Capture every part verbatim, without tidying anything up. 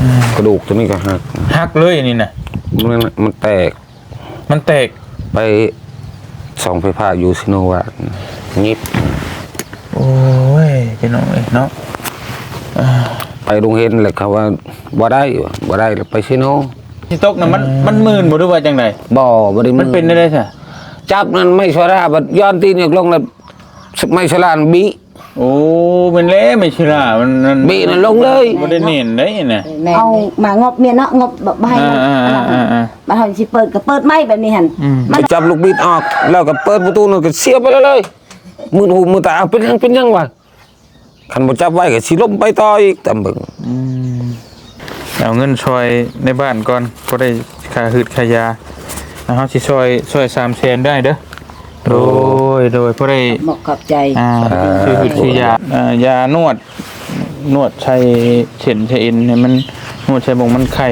กระดูกตัวนี้ก็หักหักเลยนี่นะมันมันแตกมันแตกไปสองไฟฟ้ายูซิโนวางิบโอ้ยพี่น้องเอ้ยเนาะไปโรงเรียนเลยเขาว่าบ่ได้บ่ได้ไปซิโนที่ตกน่ะมันมันมื่นบ่รู้ว่าจังไดบ่บ่ได้มันเป็นได้ใช่จับนั่นไม่ชราบัดย้อนตีนลงแล้วไม่ชราบีโอ้เป็นเละไม่ชรามันบีนั่นลงเลยบ่ได้เน้นได้น่ะเอามางบเมียเนาะงบแบบให้มาทำสิเปิดก็เปิดไม่แบบนี้หั่นมันจับลูกบิดออกแล้วก็เปิดประตูนั่นก็เสียบไปเลยมือหูมือตาเป็นยังเป็นยังวะคันบ่จับไว้ก็สิล้มไปต่ออีกตำบึงอืมเอาเงินช่วยในบ้านก่อนก็ได้ค่าหืดค่ายาเฮาสิช่วยช่วยสามแสนได้เด้อโดยโดยพอได้เหมาะกับใจอ่าชื่อชื่อยาอ่ายานวดนวดใช้เข็นใช้เอ็นเนี่ยมันนวดใช้บ่งมันไข่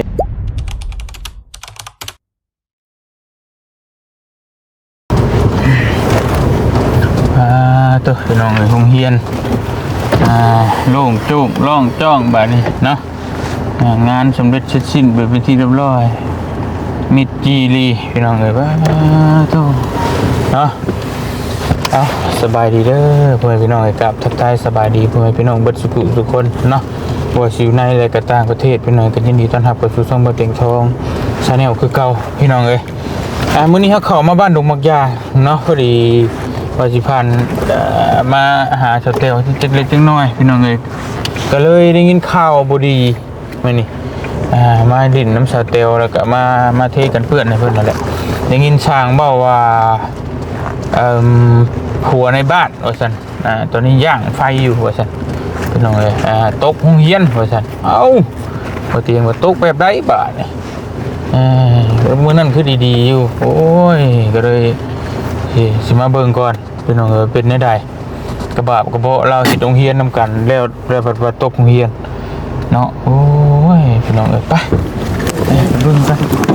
อ่าตัวพี่น้องเอ้ยโรงเรียนอ่าโล่งโจ้งร่องจ้องแบบนี้เนาะงานสำเร็จเสร็จสิ้นไปเป็นที่เรียบร้อยมิดจีรีพี่น้องเอ้ยว่าตัวเนาะเอาสบายดีเด้อพ่อแม่พี่น้องกับทักทายสบายดีพ่อแม่พี่น้องเบิดสุขุทุกคนเนาะว่าสิอยู่ในและก็ต่างประเทศพี่น้องก็ยินดีต้อนรับเข้าสู่ช่องบ่เต็งทองชาแนลคือเก่าพี่น้องเอ้ยอ่ามื้อนี้เฮาเข้ามาบ้านดงมักยาเนาะพอดีว่าสิผ่านมาหาชาวเตลจักเล็กจักน้อยพี่น้องเอ้ยก็เลยได้ยินข่าวบ่ดีมื้อนี้อ่ามาดินน้ำชาวเตลแล้วก็มามาเทกันเพื่อนให้เพิ่นนั่นแหละได้ยินช่างเว้าว่าเอ่อหัวในบ้านว่าซั่นอ่าตอนนี้ย่างไฟอยู่ว่าซั่นพี่น้องเอ้ยอ่าตกโรงเรียนว่าซั่นเอ้าบ่เตียงว่าตกแบบใดบาดนี่เอ่อมื้อนั้นคือดีๆอยู่โอ้ยก็เลยสิสิมาเบิ่งก่อนพี่น้องเอ้ยเป็นแนวใดกระบาบกระเบาะเราสิโรงเรียนนำกันแล้วแล้วว่าตกโรงเรียนเนาะโอ้ยพี่น้องเอ้ยไปไปรุ่นกัน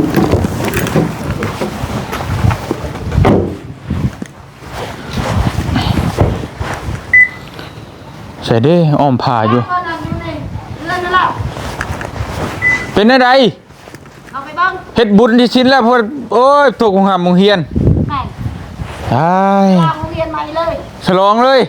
ใส่ดิอ้อมผ่าอยู่เป็นอะไรเฮ็ดบุญที่ชิ้นแล้วพอโอ้ยตกของหามงเฮียนใช่มงเฮียนใหม่เลยฉลองเลย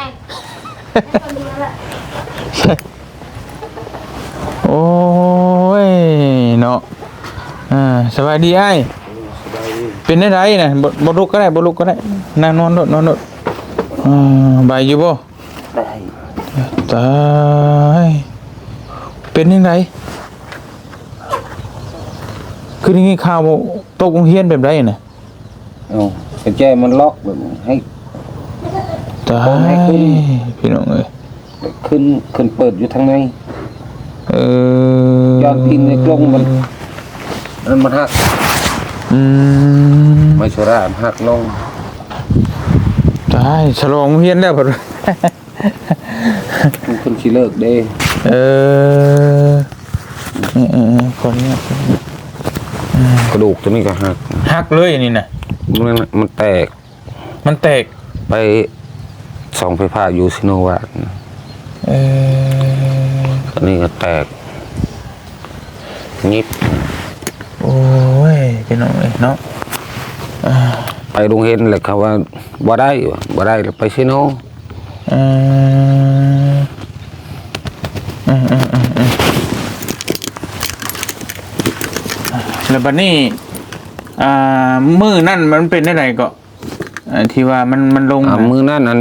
โอ้ยเนาะอ่าสบายดีไอ้เป็นอะไรนะบ่ลุกก็ได้บ่ลุกก็ได้นั่งนอนโดดนอนโดดอ่าบายอยู่บ่ตายเป็นยังไงคือนี่ข่าวตกโรงเรียนแบบไรน่ะอ๋อไอ้แจมันล็อกแบบให้ตายพี่น้องเอ้ยขึ้นขึ้นเปิดอยู่ทางในเออยอดกินในกรงมันมันมันหักอืมไม่ชราหักลงตายฉลองโรงเรียนแล้วพุ่นคนชิเลิกเด้เออเออคนเนี้ยกระดูกตัวนี้ก็หักหักเลยนี่นะมันมันแตกมันแตกไปสองไฟฟ้ายูซิโนวาเอออันนี้ก็แตกงิบโอ้ยพี่น้องเนาะไปโรงเรียนเลยเขาว่าบ่ได้บ่ได้ไปซิโนอืมอืมอืมอืมอืมแล้วบัดนี้อ่ามือนั่นมันเป็นได้ไรก็ที่ว่ามันมันลงมือนั่นอัน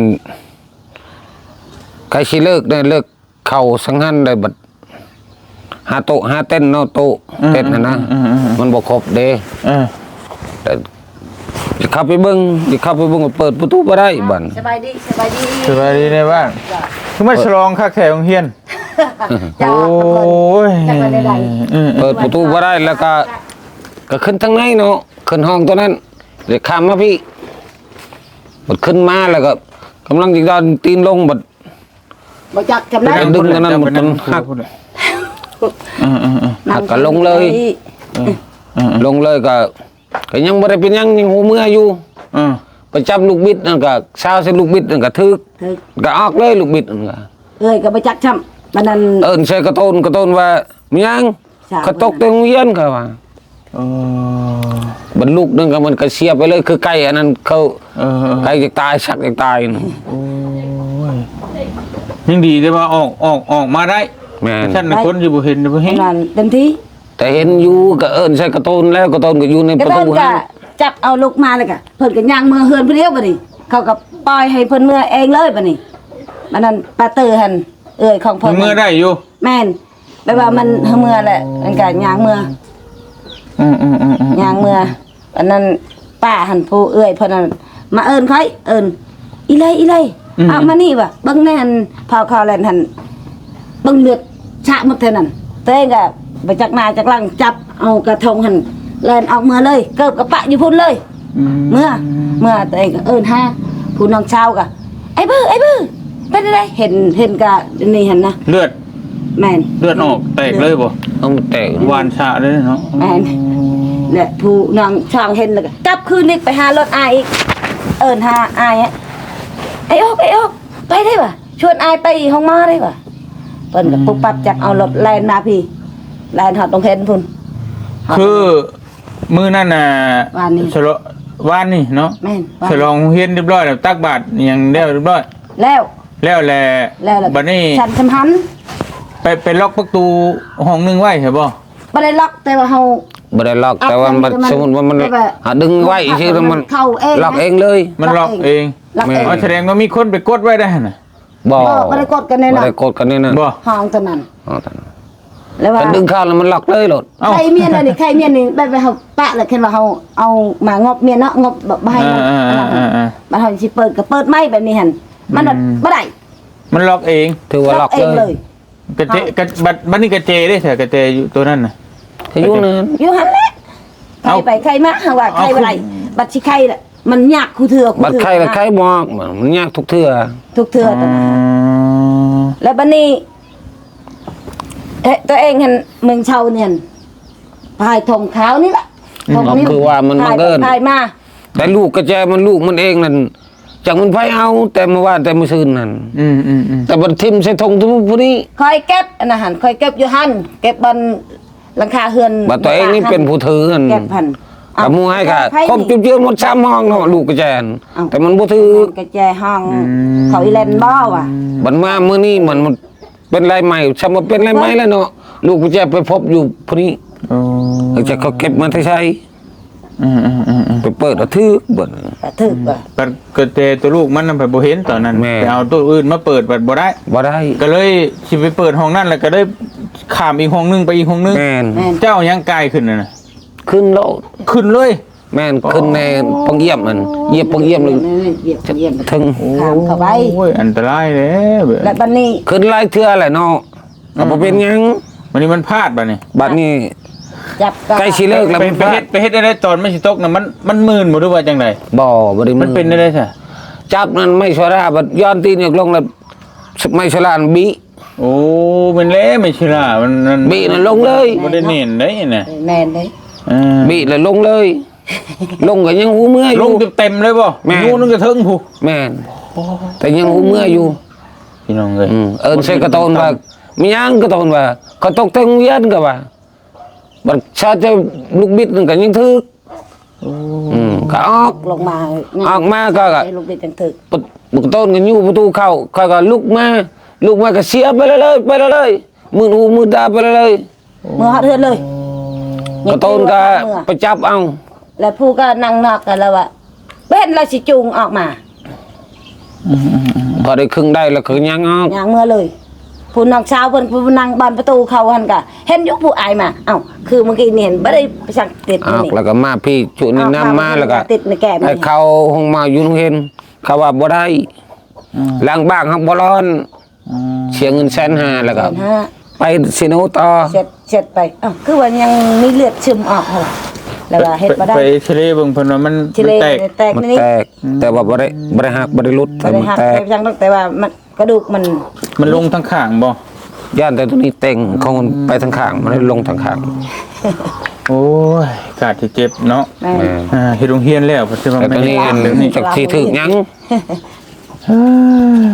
ใครชิเลิกได้เลิกเข่าสังหันได้บัดหาโตหาเต้นเนาะโตเต้นนะนะมันบ่ครบเด้แต่จะเข้าไปเบิ้งจะเข้าไปเบิ้งเปิดประตูบ่ได้บัดสบายดีสบายดีสบายดีในบ้านคือมาฉลองคักแถวโรงเรียนโอ้ยเปิดประตูบ่ได้แล้วก็ก็ขึ้นทางไหนเนาะขึ้นห้องตัวนั้นเดี๋ยวข้ามมาพี่บัดขึ้นมาแล้วก็กำลังจะดันตีนลงบัดบ่จักจำได้ดึงนั้นมันมันหักหักก็ลงเลยลงเลยก็ก็ยังบ่ได้เป็นยังยังหูเมื่ออยู่ไปจับลูกบิดนั่นก็เช้าใส่ลูกบิดนั่นก็ทึกก็ออกเลยลูกบิดนั่นก็เอ้ยก็บ่จักช้ำมันนั่นเอิ้นใส่กระโตนกระโตนว่ามียังสาวเขาตกแต่โรงเรียนเขาว่าโอ้บรรลุนึงก็มันก็เสียไปเลยคือไก่อันนั้นเขาเออไก่จะตายสักจะตายน่ะโอ้ยยังดีได้ว่าออกออกออกมาได้แม่นฉันน่ะคนอยู่บ่เห็นบ่เห็นนั่นเต็มที่แต่เห็นอยู่ก็เอิ้นใส่กระโตนแล้วกระโตนก็อยู่ในก็ประเพิ่ตูนก็ห้างจับเอาลูกมาเลยก็เพิ่นก็ย่างมือเฮือนผู้เดียวบัดนี้เขาก็ปล่อยให้เพิ่นมือเองเลยบัดนี้มันนั่นปาเตอร์หั่นเอ้ยของเพิ่นเมื่อได้อยู่แม่นแปลว่ามันเมื่อแหละมันก็ย่างมืออืมอืมอืมอืมย่างมืออันนั้นป้าหั่นผู้เอ้ยเพิ่นนั่นมาเอิ้นค่อยเอิ้นอีไลอีไลเอามานี่ว่ะเบิ่งแน่นพอเขาแล่นหั่นเบิ่งเลือดชะหมดเท่านั้นตัวเองก็ไปจักหน้าจักหลังจับเอากระทงหั่นแล่นออกมือเลยเกิบกับปะอยู่พุ่นเลยอืมเมื่อเมื่อตัวเองก็เอิ้นห้าผู้น้องชาวก็ไอ้บื้อไอ้บื้อเป็นอะไรเห็นเห็นกะนี่เห็นนะเลือดแม่นเลือดออกแตกเลยบ่เอามาแตกหวานชาเลยเนาะแม่นและผู้น้องช่างเห็นแล้วก็กลับคืนนี้ไปหารถอายอีกเอิ้นหาอายอะไอ้ออกไอ้ออกไปได้ป่ะชวนอายไปห้องหมอได้ป่ะเพิ่นก็ปุ๊บปั๊บจักเอารถแล่นมาพี่แล่นฮอดตรงเห็นพุ่นคือมื้อนั้นน่ะวานนี้ฉลองวานนี่เนาะแม่นว่าฉลองเฮียนเรียบร้อยแล้วตักบาตรยังเรียบร้อยแล้วแล้วแหละแล้วล่ะบัดนี้ฉันสำคัญไปไปล็อกประตูห้องหนึงไว้ใช่บ่บ่ได้ล็อกแต่ว่าเฮาบ่ได้ล็อกแต่ว่ามันอัดมันสมมุติว่ามันแบบหาดึงไว้ชื่อแล้วมันเข้าเองล็อกนะเองเลยมันล็อกเองล็อกเองอ๋อแสดงว่ามีคนไปกดไว้ได้หั่นน่ะบ่บ่บ่ได้กดกันแน่นอนบ่ได้กดกันนี่นะบ่ห้องตัวนั้นอ๋อตอนนั้นแล้วว่ากันดึงเข้าแล้วมันล็อกเลยโลดเอ้าใครเมียนอันนี้ใครเมียนนี่แบบว่าเฮาปะแล้วเห็นว่าเฮาเอามางบเมียนเนาะงบแบบบ่ให้มันอ่าอ่าอ่าอ่ามันเฮาสิเปิดก็เปิดไม่แบบนี้หั่นมันแบบบ่ได้มันล็อกเองถือว่าล็อกเองเลเลย ยกระเจกระบัดบัดนี้กระเจได้เถอะกระเจอยู่ตัวนั้นน่ะถ้าอยู่นั้นอยู่หั่นแหละใครเอาไปใครมาหาว่าใครบ่ได้บัดสิใครน่ะมันยากคู่เถื่อบัดไข้ละไข้บอกมันยากทุกเทื่อทุกเถื่อตัวนั้นแล้วบัดนี้เอ๊ะตัวเองหั่นเมืองเชาเนี่ยพายธงขาวนี่แหละธงนี้คือว่ามันพบัยงเอิญพายมาแต่ลูกกระแจมันลูกมันเองนั่นจากมันไผเอาแต่เมื่อวานแต่เมื่อคืนนั่นอืมอืมอืมแต่บัดทิมใส่ธงทุกผู้นี้คอยเก็บอันนะหันคอยเก็บอยู่หันเก็บบนหลังคาเฮือนบัดตัวเองนี่เป็นผู้ถือกันเก็บหันกับมูให้ค่ะครบจุดเจือหมดสามห้องเนาะลูกกระแจนแต่มันบ่ถือกระแจห้องเขาอีเลนบ่ว่ะบัดมามื้อนี้มันมันเป็นไรใหม่ซำว่าเป็นไรใหม่แล้วเนาะลูกกระแจไปพบอยู่ผู้นี้โอ้เขาจะเขาเก็บมาใช้อืมอืมอืมอืมไปเปิดเอาถือเบิดกระทึกว่ะบัดกระเจตัวลูกมันน่ะไปบ่เห็นตอนนั้นแม่ไปเอาตัวอื่นมาเปิดบัดบ่ได้บ่ได้ก็เลยสิไปเปิดห้องนั่นแล้วก็ได้ข้ามอีกห้องนึงไปอีกห้องนึงแม่นแม่นเจ้ายังกายขึ้นน่ะนะขึ้นแล้วขึ้นเลยแม่นขึ้นในปังเยี่ยมมันเหยียบปังเยี่ยมเลยเหยียบเหยียบถึงข้ามเข้าไปโอ้ยอันตรายเลยและบัดนี้ขึ้นหลายเทื่อแหละเนาะก็บ่เป็นหยังวันนี้มันพลาดบัดนี้บัดนี้จับก็ใกล้สิเลิกแล้วไปมันไปเฮ็ดไปเฮ็ดอะไรตอนไม่สิตกน่ะมันมันมื่นบ่รู้ว่าจังไดบ่บ่ได้มันเป็นได้ซะจับนั่นไม่ชราบัดย้อนตีนลงแล้วไม่ชรานบิโอ้เป็นเละไม่ใช่ล่ะมันมันบินั่นลงเลยบ่ได้เน้นได้น่ะแม่นเด้เออบิแล้วลงเลย ลงก็ยังหูเมื่ออลยู่งเต็มๆเลยบ่แม่งูนึงก็ถึงผู้แม่นแต่ยังหูเมื่ออยู่พี่น้องเอ้ยอืมเอิ้นใส่กระโตนว่ามีหยังกระโตนว่าเขาตกแต่งเวียนก็ว่าบัดชาติลูกบิดนั่นก็ยังถึกอืมก็ออกลงมาออกมาก็ก็ให้ลูกบิดจังถึกปะบุกต้นกันอยู่ประตูเข้าเขาก็ลุกมาลุกมาก็เสียไปเลยเลยไปเลยเลยมือหูมือตาไปเลยเลยเมื่อฮอดเฮือนเลยกระต้นก็ไปจับเอาแล้วผู้ก็นั่งนอกกันแล้วว่าเป็นเราสิจูงออกมาพอได้ครึ่งได้แล้วคือยังออกอย่างเมื่อเลยผู้นอกเช้าเพิ่นผู้นั่งบานประตูเขาหันกะเห็นอยุคผู้อายมาเอ้าคือเมื่อกี้นี่เห็นบ่ได้ไปสั่งติดออกนี่แล้วก็มาพี่จุนี่น้ำมาแล้วก็ติดในแก้มให้เขาห้องมาอยู่โรงเห็นเขาว่าบ่ได้ล้างบ้างครับบ่ร้อนเสียเงินแสนห้าแล้วก็ฮะไปซิโนต่อเสร็จเสร็จไปเอ้าคือว่ายังมีเลือดซึมออกเหรอแล้วว่าเฮ็ดบ่ได้ไปทะเลเบิ่งเพิ่นว่ามันชิเลมันแตกแตกมันนี่แตกแต่ว่าบ่ได้บ่ได้หักบ่ได้หลุดบ่แต่ได้มันหักแตแต่กยังต้องแต่ว่ามันกระดูกมันมันลงทั้งข้างบ่ย่านแต่ตัวนี้เต็งของมันไปทางข้างมันได้ลงทางข้างโอ้ยกาดที่เจ็บเนาะแม่แม่อ่าเฮ็ดโรงเรียนแล้วเพิ่นสิว่าแต่ไม่ตัวได้นี้อันเดี๋ยวนี้จากที่ถึกยังเฮ้ย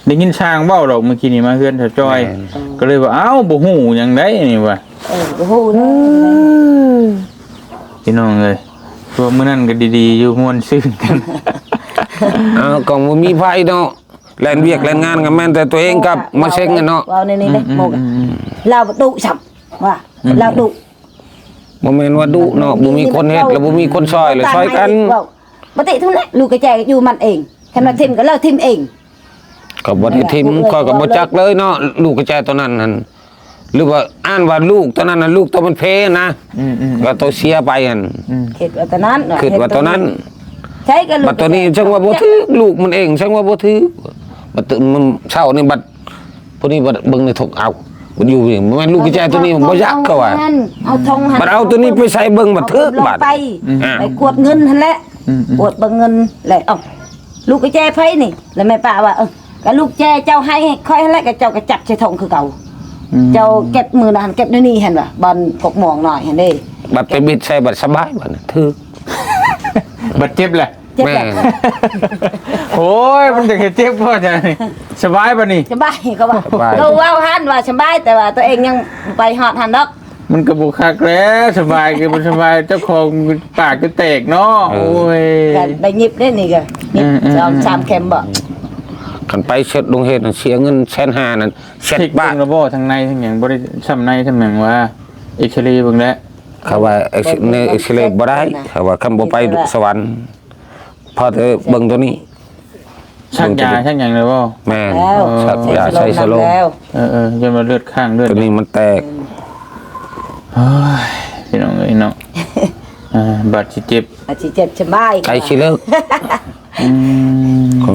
ได้ยินช้างเว้าดอกเมื่อกี้นี่มาเฮือนเถาจอย ก็เลยว่าเอ้าบ่ฮู้หยังได้นี่ว่าเออโอ้โหเลยพี่น้องเอ้ยตัวมื้อนั้นก็ดีๆอยู่ม่วนซื่นกันเอาก็บ่มีไผเนาะแล่นเวียกแล่นงานก็แม่นแต่ตัวเองกับมาเซ็งกันเนาะว้าวในนี้เด้โมกเราดุฉับว่าเราดุบ่แม่นว่าดุเนาะบ่มีคนเฮ็ดแล้วบ่มีคนซอยเลยซอยกันปกติทุกนั้นลูกกระแจอยู่มันเองแค่มาทิมก็เลิกทิมเองก็บ่ได้ทิมข้อยก็บ่จักเลยเนาะลูกกระจายตัวนั้นนั่นหรือว่าอ่านว่าลูกตัวนั้นน่ะลูกตัวมันเพนะอืมก็ตัวเสียไปหั่นเฮ็ดว่าตอนนั้นคิดว่าตัวนั้นใช่ก็ลูกบัดตัวนี้จังว่าบ่ถือลูกมันเองจังว่าบ่ถือบัดตัวมันเช้านี่บัดพวกนี้บัดเบิ่งในถกเอามันอยู่นี่มันลูกกระจายตัวนี้มันบ่ยักก็ว่าเอาทงบัดเอาตัวนี้ไปใส่เบิ่งบัดถึกบัดไปไปกวดเงินหั่นแหละกวดเบิ่งเงินแหละเอ้าลูกกระแจไผนี่แล้วแม่ป้าว่าเออก็ลูกแจเจ้าให้ค่อยหั่นแหละก็เจ้าก็จับใส่ทงคือเก่าเจ้าเก็บมือนั่นเก็บนี่หั่นว่ะบอลกกหมองหน่อยหั่นเด้บัดไปบิดใส่บัดสบายบัดถึกบัดเจ็บแหละเจ็บแม่แหละโอ้ยมันจะเจ็บพ่อจ้ะนี่สบายป่ะนี่สบายก็ว่าก็ว่าหันว่าสบายแต่ว่าตัวเองยังไปฮอดหันดอกมันกระบุกคักแล้วสบายคือมันสบายเจ้าของปากก็แตกเนาะโอ้ยก็ได้ยิบได้นี่ก็ยิบอืมอืมสองสามเข็มบ่คันไปเช็ดลงเฮ็ดน่ะเสียเงินแสนห้านั่นเช็ดเช็คบ้าเบิ่นงระบบทางในทางหยังบ่ได้ซ้ำในซ้ำหยังว่าเอ็กซเรย์เบิ่งแล้วเขาว่าเอ็กซ์เนเอ็กซ์เรย์บ่ได้เขาว่าคำบ่ไปสวรรค์พอแต่เบิ่งตัวนี้ชักยาชักหยังเลยบ่แม่นแล้วชักยาใส่สโลมแล้วเออเออจนมาเลือดข้างเลือดตัวนี้มันแตกโอ้ยพี่น้องเอ้ยเนาะอ่าบาดสิเจ็บอาจสิเจ็บสบายไกลสิเลิกอืมของ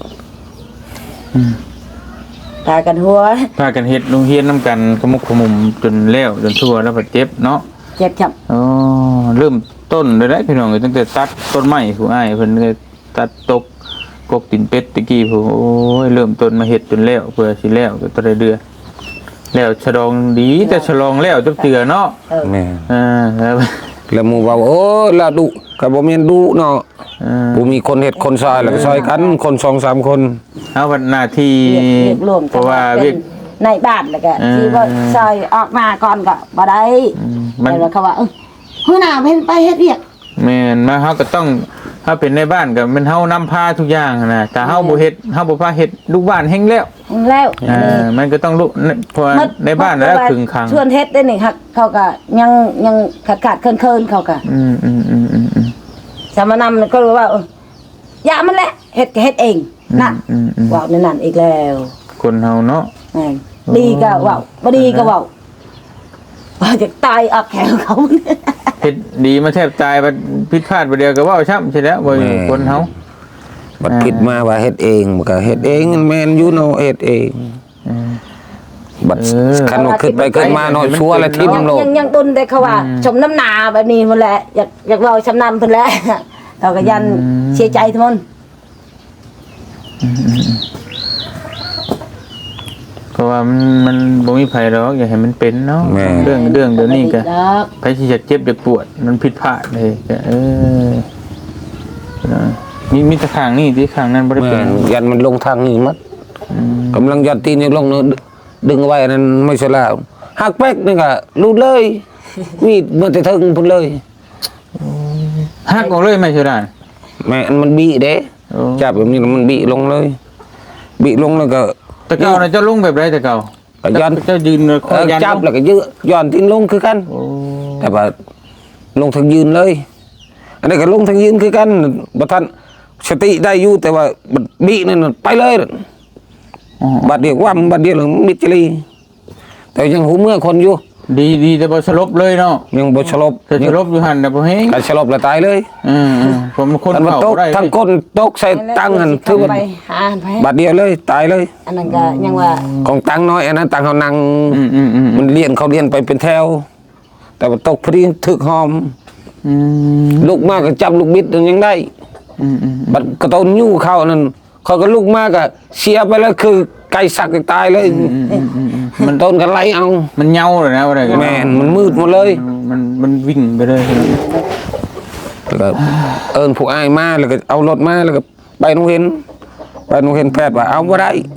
ตากันหัวพากันเฮ็ดโรงเรียนนํกันขมุกขมุมจนแล้วจนทั่วแล้วบาดเจ็บเนาะเจ็บจับอ๋อเริ่มต้นเลยได้พี่น้องเอ้ยตั้งแต่ตัดต้นไม้ผู้อ้ายเพิ่นก็ตัดตกกกตีนเป็ดตะกี้ผู้โอ้ยเริ่มต้นมาเฮ็ดจนแล้วเพื่อสิแล้วก็ตัวได้เดือแล้วฉลองดีแต่ฉลองแล้วจักเตือเนาะเออแม่นอ่าแล้วแล้วหมู่ว่าโอ้ละดุก็บ่แม่นดุเนาะอ่าบ่มีคนเฮ็ดคนซอยแล้วก็ซอยกันคนสองสามคนเอาวันหน้าที่เรียกเรียกรวมเพราะว่าเป็เวียนกในบ้านแล้วก็เออที่ว่าซอยออกมาก่อนก็บ่ได้มันแต่ว่าเขาว่าเออหัวหน้าเพิ่นไปเฮ็ดเวียกแม่นมาเฮาก็ต้องถ้าเป็นในบ้านก็มันเฮานำพาทุกอย่างนะแต่เฮาบ่เฮ็ดเฮาบ่พาเฮ็ดลูกบ้านแฮงแล้วแล้วอ่ามันก็ต้องลูกเพราะว่าในบ้านแล้วครึ่งครั้งชวนเฮ็ดได้นี่ครับเขาก็ยังยังขาดขาดเคินเคินๆเขาก็อืมอืมอืมอืมอืมสามนำก็รู้ว่าเอออย่ามันแหละเฮ็ดก็เฮ็ดเองนั่นอืมอืมว่าวในนั่นอีกแล้วคนเฮาเนาะแม่นดีก็ว่าวบ่ดีก็ว่าวว่าจะตายออกแขวเขาเฮ็ดดีมาแทบตายบัดผิดพลาดบ่เดียวก็เว้าช้ำใช่แล้วบ่อยู่คนเฮาบัดผิดมาว่าเฮ็ดเองมันก็เฮ็ดเองแม่นอยู่เนาะเฮ็ดเองอืมบัดคันว่าขึ้นไปขึ้นมาเนาะชัวร์แล้วทิ่มยังโลกยังยังตุนได้เขาว่าชมน้ำหนาแบบนี้หมดแหละอยากอยากเว้าชำนาญเพิ่นแหละ เขาก็ยันเสียใจทุกคนเพราะว่ามันมันบ่มีไผหรอกอย่าให้มันเป็นเนาะแม่เรื่องเรื่องเดี๋ยวนี้ก็ดอกใครที่จะเจ็บจะปวดมันผิดพลาดเลยก็เออนะมีมีแต่ข้างนี่ที่ข้างนั้นบ่ได้แม่เป็นนยันมันลงทางนี้มัดกำลังยัดตีนนี่ลงเนอะดึงเอาไว้นั่นไม่ใช่แล้วหักแป๊กนี่ก็รูดเลยมีดมันจะถึงพุ่นเลยหักออกเลยไหม่ใช่ได้แม่นมันบีเด้โอ้จับแบบนี้แล้วมันบีลงเลยบีลงแล้วก็แต่เก่าน่ะเจ้าลุงแบบไรแต่เก่าก็ยันเจ้ายืนคเอออยันจับแล้วก็ยืดย้อนตีนลงคือกันโอ้แต่ว่าลงทางยืนเลย อันนี้ก็ลงทางยืนคือกันบัดทันสติได้อยู่แต่ว่าบัดบีนั่นนะไปเลยอ๋อบัดเดียวว่ำบัดเดียวหรือมิดจรีแต่ยังหูเมื่อคนอยู่ดีดีแต่บ่สลบเลยเนาะยังบ่สลบแต่สลบอยู่หั่นน่ะบ่เฮงการสลบแล้วตายเลยอืมๆผมคนอันมันเข้าตกได้ทั้งก้นตกใส่ตังหันถือว่าไปหาไปบัดเดียวเลยตายเลยอันนั้นก็ยังว่าของตังน้อยอันนั้นตังเขานั่งอืมอืมอืมมันเลี้ยนเขาเลี้ยนไปเป็นแถว แต่ว่าตกพอดีถึกหอมอืมลูกมากก็จับลูกบิดยังได้อืมอืมบัดกระต้นยู่เข้านั่นเขาก็ลูกมากก็เสียไปแล้วคือไก่สักตายเลยมันต้นกันไล่เอามันเหงาเลยนะว่าได้กันแม่นมันมืดหมดเลยมันมันวิ่งไปเลยแล้วก็เอิญผู้อ้ายมาแล้วก็เอารถมาแล้วก็ไปโรงเรียนไปโรงเรียนแพทย์ว่าเอาบ่ได้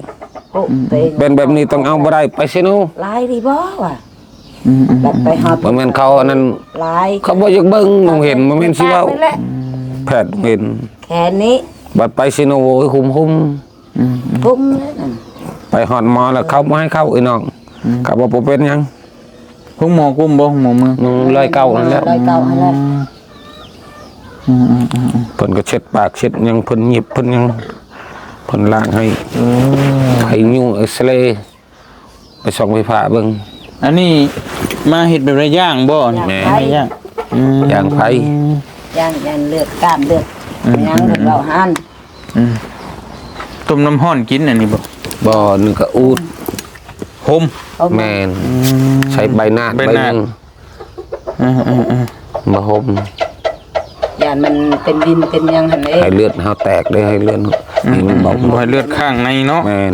โอ้ตัวเองเป็นแบบนี้ต้องเอาบ่ได้ไปซิโนลายดีบ่ว่ะอืมแบบไปหอบบ่แม่นเขาอันนั้นลายเขาบ่อยากเบิ่งมองเห็นบ่แม่นสิเว้านั่นแหละแพทย์เห็นแค่นี้บัดไปซิโนโอ้ยหุ่มอืมพุ่มเลยนั่นๆไปหอดหมอแล้วเขาบ่ให้เข้าอีน้องเขาบ่บ่เป็นหยังพวกหมอกุ้มบ่หมอเมืองมึงเลยเก่านั่นแหล้วลายเก่าให้แล้วอืมอืมอืมอืมเพิ่นก็เช็ดปากเช็ดหยังเพิ่นหยิบเพิ่นหยังเพิ่นล้างให้เออให้ยุ่งเอ็กซเรย์ไปส่องไฟฟ้าเบิ่งอันนี้มาเห็ดแบบไรย่างบ่นี่แม่ไรย่างอืมย่างไผย่างย่างเลือดกล้ามเลือดยังเลือดเบาหันอืมต้มน้ำห้อนกินอันนี้บ่บ่นึงก็อูดโฮมแม่นใช้ใบหน้าใบใบหน้าหนึงอืมอืมอืมมาห่มย่านมันเป็นดินเป็นหยังหั่นเองให้เลือดเฮาแตกได้ให้เลือดนี่มันเบาบ่ให้เลือดข้างในเนาะแม่น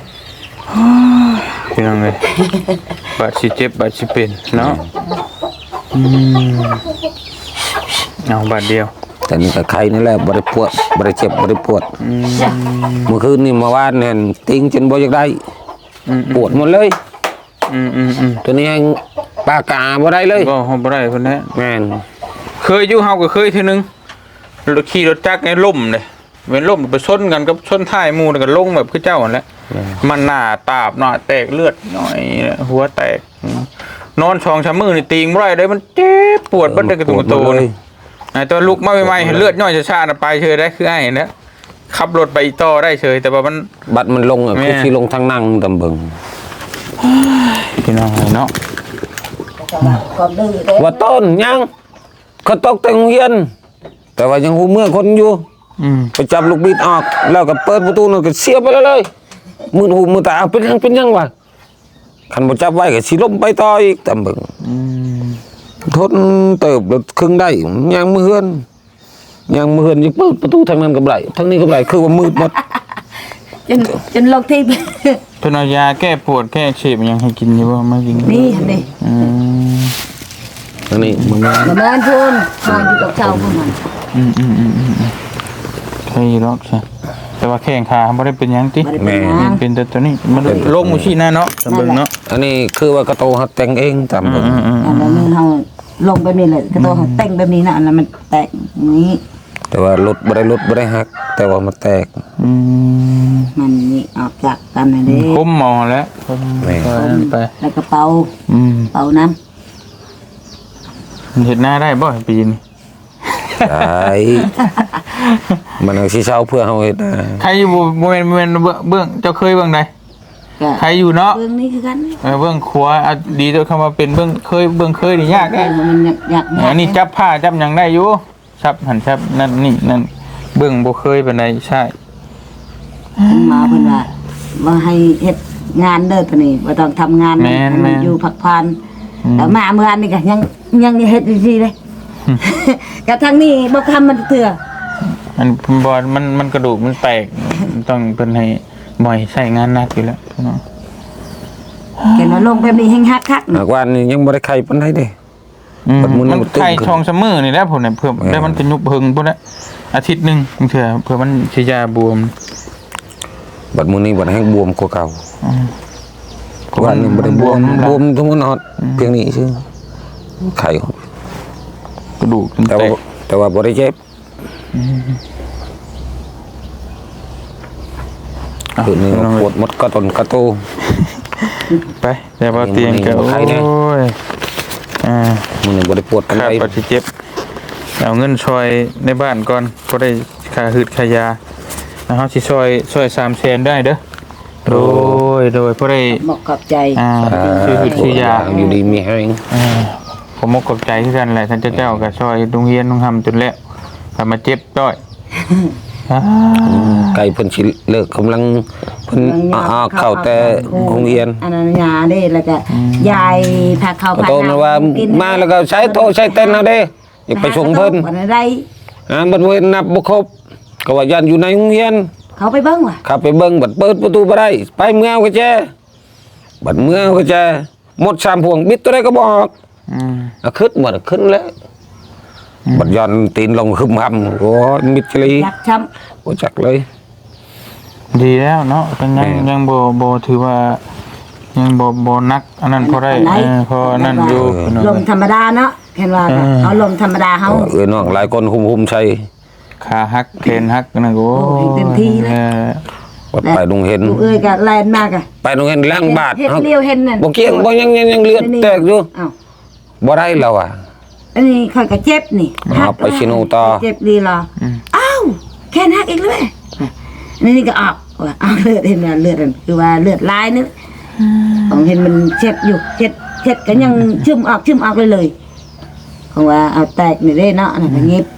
พี่น้องเอ้ยบาดสิเจ็บบาดสิเป็นเนาะอืมเอาบาดเดียวแต่นี่ก็ไข้นี่แหละบ่ได้ปวดบ่ได้เจ็บบ่ได้ปวดอืมเมื่อคืนนี่เมื่อวานเนี่ยติงจนบ่อยากได้อืมปวดหมดเลยอืมอืมอืมตัวนี้ยังปากกาบ่ได้เลยบ่เฮาบ่ได้เพิ่นแท้แม่นเคยอยู่เฮาก็เคยเทื่อนึงรถขี่รถจักรไอ้ล่มเด้เว้นล่มไปชนกันกับชนท้ายหมู่แล้วก็ลงแบบคือเจ้านั่นแหละมันหน้าตาบหน้าแตกเลือดหน่อยหัวแตกนอนช่องชะมือนี่ตีงบ่ได้เลยมันเจ็บปวดเบัดได้กระตุกกระโตปวดหมดเลเลย ยไอ้ตัวลุกมาใหม่ๆเห็นเลือดย่อยชาๆน่ะไปเฉยได้คือไอ้เห็นแล้วขับรถไปอีต่อได้เฉยแต่ว่ามันบัดมันลงอะแม่คือสิลงทางนั่งตำเบิงพี่น้องเนาะความดื้อเด้ว่าต้นยังเขาตกแต่โรงเรียน แต่ว่ายังหูเมื่อคนอยู่อืมไปจับลูกบิดออก แล้วก็เปิดประตูนั่นก็เสียบไปเลยเลยมือหูมือตาเอาเป็นยังเป็นยังวะคันบ่จับไว้ก็สิล้มไปต่ออีกตำเบิงอืมทนเติบรถครึ่งได้ยังมือเฮือนยังมือเฮือนยังเปิดประตูทางนั้นก็บ่ได้ทางนี้ก็บ่ได้คือว่ามืดหมดจนจนลงที่เพิ่นเอายาแก้ปวดแก้อักเสบยังให้กินอยู่บ่มากินนี่นี่อืมอันนี้มันมามาแม่นพูนนอนอยู่กับเจ้าพวกมันอืมอืมอืมอืมอืมใช่หรอกใช่แต่ว่าแข้งขาบ่ได้เป็นหยังติบ่ได้เป็นหยังเป็นแต่ตัวนี้มันโรคมูชี่หน้าเนาะสำเบิ่งเนาะอันนี้คือว่ากระโตหัดแต่งเองตามเบิ่งอืมอืมอันนั้นมันเฮาลงแบบนี้เลยกระโตเขาแต่งแบบนี้นะอันนั้นมันแตกอย่างนี้แต่ว่ารถบ่ได้รถบ่ได้หัก แต่ว่ามันแตกอืมมันนี่ออกจากกันนะเด้คุ้มหมอแล้วคุ้มแม่ไปไปแล้วก็เป่าอืมเป่าน้เห็นหน้าได้บ่ปีนี้ใช่มันเอาสิเช้าเพื่อเฮาเฮ็ดนะใครอยู่บ่แม่นบ่แม่นเบื้องเบื้องเจ้าเคยเบื้องใดำก็ใครอยู่เนาะเบื้องนี้คือกันเออเบื้องขวาอ่ะดีตัวคำว่าเป็นเบื้องเคยเบื้องเคยนี่ยากแกแน่งมันอยากอยากอันนี้จับผ้าจับหยังได้อยู่จับหันจับนั่นนี่นั่นเบื้องบ่เคยปานใดใช่มาเพิ่นว่าบ่ให้เฮ็ดงานเด้อตัวนี้บ่ต้องทำงานนะให้มันอยู่พักผ่อนแล้วมาเมื่อวานนี่ก็ยังยังเฮ็ดอยู่ดีเลยกระทั่งนี้บ่ทำมันเถื่อมันบอดมันมันกระดูกมันแตกมันต้องเป็นให้บ่อยใช้งานหนักอยู่แล้วเนาะแกนว่าลงแบบนี้แฮงฮักคักหากว่านี่ยังบ่ได้ไข่ปานใดเด้อืมบัดมื้อนี้มันมันตึงไข่ขึ้นทองเสมอนี่แหละผมเนี่ยเพื่อเออได้มันจะยุบเพิงพุ่นละอาทิตย์หนึงบางเทื่อเพื่อมันสิยาบวมบัดมื้อนี้บัดแห้งบวมกว่าเก่าอืมว่านี่บ่ได้บวมบบววมมทั้งหมดฮอดเพียงนี้ซื่อไข่กระดูกมันแต่แตว่าก แต่ว่าบ่ได้เจ็บคือนี่ปวดหมดกระตนกระโตไปแต่ว่าเตียงก็มันมีโอ้ไข้แน่ยอ่ามื้อนี้บ่ได้ปวดปานค่าใดปัสิเจ็บเอาเงินช่วยในบ้านก่อนพอได้ค่าหืดค่ายาแล้วเฮาสิช่วยช่วยสามแสนได้เด้อโดยโดยพอได้หมกขอบใจอ่าอ่าชื่อหืดชื่อยาอยู่ดีมีแห้งอ่าผมมกกับใจคือกันแหละท่านเจ้าเจ้าก็ช่วยโรงเรียนโรงทำจนแล้วก็มาเจ็บด้อยอ่าไก่เพิ่นสิเลิกกำลังเพิ่นอ้อเข้าแต่โรงเรียนอันนั้นยาเด้แล้วก็ยายพาเข้าก็โตมาว่ามาแล้วก็ใช้โทรใช้เต้นเอาเด้อย่าไปส่งเพิ่นวันใดอ่าบัดเว้นนับบ่ครบก็ว่ายันอยู่ในโรงเรียนเขาไปเบิ่งว่ะขับไปเบิ่งบัดเปิดประตูบ่ได้ไปเมื่อเอาก็แจบัดเมื่อเอาก็แจหมดสามพวงบิดตัวใดก็บอกอืมอ่ะขึ้นหมดขึ้นแล้วบัดย้อนตีนลงคึมหำโอ้ยมิดเลยอยากช้โอ้จักเลยำดีแล้วเนาะก็ยังยังบ่บ่ถือว่ายังบ่บ่นักอันนั้นพอได้เออพอนั่นอยู่ลมธรรมดาเนาะเห็นว่าเอาลมธรรมดาเฮาเออน้องหลายคนคุมๆใช้ขาหักแขนหักนั่นโอ้เต็มที่เลยวัดไปดงเห็นลูกเอ้ยก็แล่นมากอ่ะไปดงเห็นล้างบาทเฮ็ดเลี้ยวเห็นนั่นบ่เกี่ยงบ่ยังยังยังเลือดแตกอยู่อ้าวบ่ได้แล้วอ่ะอันนี้ค่อยก็เจ็บนี่เอาไปชิโนต่อเจ็บดีเหรออ้าวแค่หักอีกเลยอันนี้ก็ออกว่าเอาเลือดเห็นว่าเลือดนั่นคือว่าเลือดลายนึกของเห็นมันเจ็บอยู่เจ็บเจ็บก็ยังชึมออกชึมออกเลยเลยของว่าเอาแตกนี่เด้เนาะนั่นก็เงียบ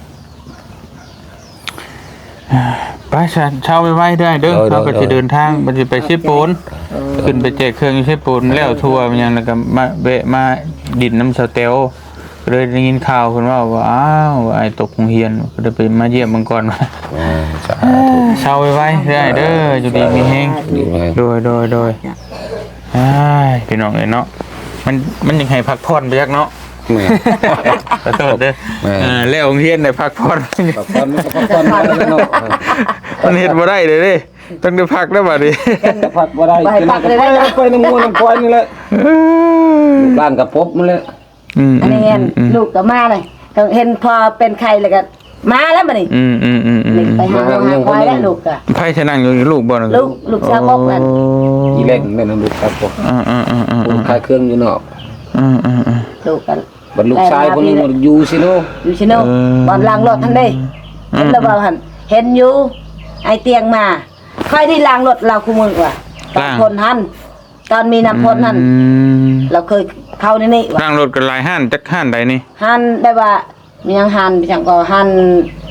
ไปฉันเช่าไว้ได้เด้อเราก็จะเดินทางมันจะไปชิปูนขึ้นไปแจกเครื่องชิปูนแล้วทัวร์มันยังแล้วก็มาเบะมาดินน้ำสเตลก็เลยได้ยินข่าวคนว่าว่าอ้าวไอ้ตกโรงเรียนก็เลยไปมาเยี่ยมมังกรมาเช่าไว้ไว้ได้เด้ออยู่ดีมีแห้งโดยโดยโดยไอ้พี่น้องเอ้ยเนาะมันมันยังให้พักผ่อนไปยักเนาะแม่ขอโทษเด้ออ่าแล้วโรงเรียนได้พักผ่อนพักผ่อนมันก็พักผ่อนได้แล้วเนาะมันเฮ็ดบ่ได้เลยเด้ต้องได้พักแล้วบัดนี้พักบ่ได้กินก็ไปไปน้ำงูน้ำควายนี่แหละบ้านกับพบมันแหละอืมอันนี้เห็นลูกก็มาเลยก็เห็นพอเป็นไข้แล้วก็มาแล้วบัดนี้อืมอืมอืมอืมไปหาหาควายแล้วลูกก็ไผชะนั่งอยู่ลูกบ่น่ะลูกลูกชาวบกนั่นอีเล่นแม่นลูกครับผมอ่าอ่าอ่าอ่าผมขายเครื่องอยู่นอกอ่าอ่าอ่าลูกก็บัดลูกชายคนนึงอยู่ซิโนอยู่ชิโนบอลล้างรถทันได้เห็นแล้วบ่หันเห็นอยู่ไอเตียงมาค่อยที่ล้างรถเราคู่มือว่ะตอนพ่นหันตอนมีน้ำพ่นนั่นอืมเราเคยเข้าในนี่ว่ะนั่งรถกันหลายห้านจักห้านใดนี่หันได้ว่ามียังหันไปจังก็หัน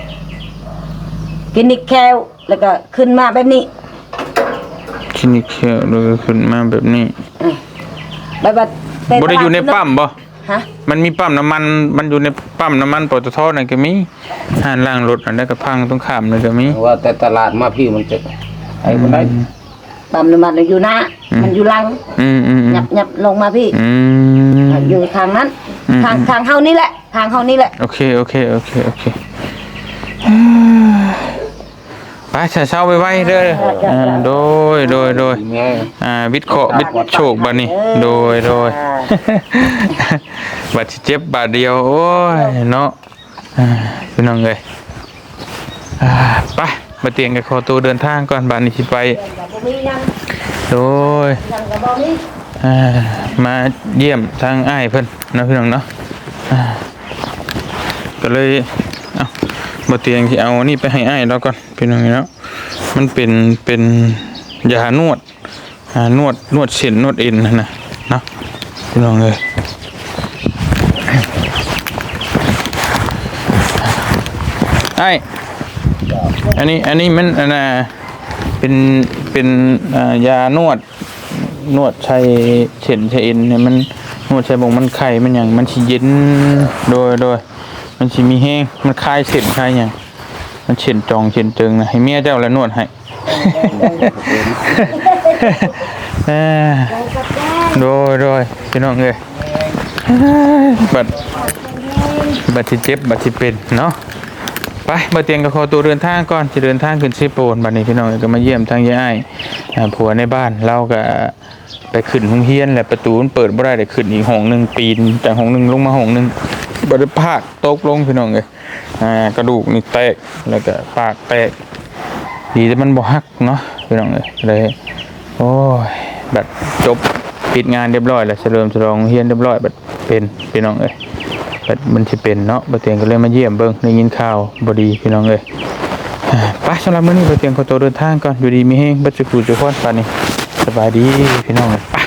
กินนิกแคลแล้วก็ขึ้นมาแบบนี้คลินิกเขียวเลยขึ้นมาแบบนี้แบบว่าเป็บ่ได้อยู่ในปั๊มบ่ฮะมันมีปั๊มน้ำมันมันอยู่ในปั๊มน้ำมันปตทนั่นก็มีห้านล้างรถอันนั้นก็พังตรงข้ามนั่นก็มีว่าแต่ตลาดมาพี่มันจะไอ้มันได้ปั๊มน้ำมันอยู่หน้ามันอยู่หลังอืมอืมอืหยัมบหยับลงมาพี่อืมอยู่ทางนั้นอืมทางทางเฮานี่แหละ ทางเฮานี่แหละโอเคโอเคโอเคโอเคไปเช้าเช้าไปไว้เด้ออ่าโดยโดยโดยแม่อ่าวิทย์เคราะห์วิทย์โชคบัดนี้โดยโดย บาดสิเจ็บบาดเดียวโอ้ยเนาะอ่าพี่น้องเอ้ยอ่าไปมาเตียงกับขอตัวเดินทางก่อนบาดนี้สิไปโดย อ่ามาเยี่ยมทางอ้ายเพิ่นนะพี่น้องเนาะอ่าก็เลยเอาบ่เตียงที่เอานี่ไปให้อ้ายแล้วก่อนพี่น้องเนาะมันเป็นเป็นยานวดอ่านวดนวดเส้นนวดเอ็นนั่นนะเนาะพี่น้องเลยไอ้อันนี้อันนี้มันอันน่ะเป็นเป็นอ่ายานวด นวดใช้เข็นใช้เอ็นเนี่ยมันนวดใช้บงมันไข่มันอย่างมันสิเย็นโดยโดยมันสิมีแห้งมันคลายเส้นคลายอย่างมันเข็นจองเข็นเจิงนะให้เมียเจ้าแล้วนวดให้ เอ้อโดยโดยพี่น้องเอ้ยบัดบัดที่เจ็บบัดที่เป็นเนาะไปมาเตียงกับคอตัวเดินทางก่อนจะเดินทางขึ้นซีโปนบัดนี้พี่น้องก็มาเยี่ยมทางยายอ้ายอ่าผัวในบ้านเราก็ไปขึ้นห้องเฮียนแหละประตูมันเปิดบ่ได้ได้ขึ้นอีกห้องหนึงปีนจากห้องหนึงลงมาห้องหนึงบ่ได้พากตกลงพี่น้องเอ้ยอ่ากระดูกนี่แตกแล้วก็ปากแตกดีแต่มันบ่หักเนาะพี่น้องเอ้ยเลยโอ้ยบัดจบปิดงานเรียบร้อยแล้วเฉลิมฉลองเฮียนเรียบร้อยบัดเป็นพี่น้องเอ้ยบัดมันสิเป็นเนาะบ่เตียงก็เลยมาเยี่ยมเบิ่งได้ยินข่าวบ่ดีพี่น้องเอ้ยอ่าไปสำหรับมื้อนี้บ่เตียงขอตัวเดินทางก่อนอยู่ดีมีแฮงบัดจุกุจุกคนปานนี้สบายดีพี่น้องเอ้ยไป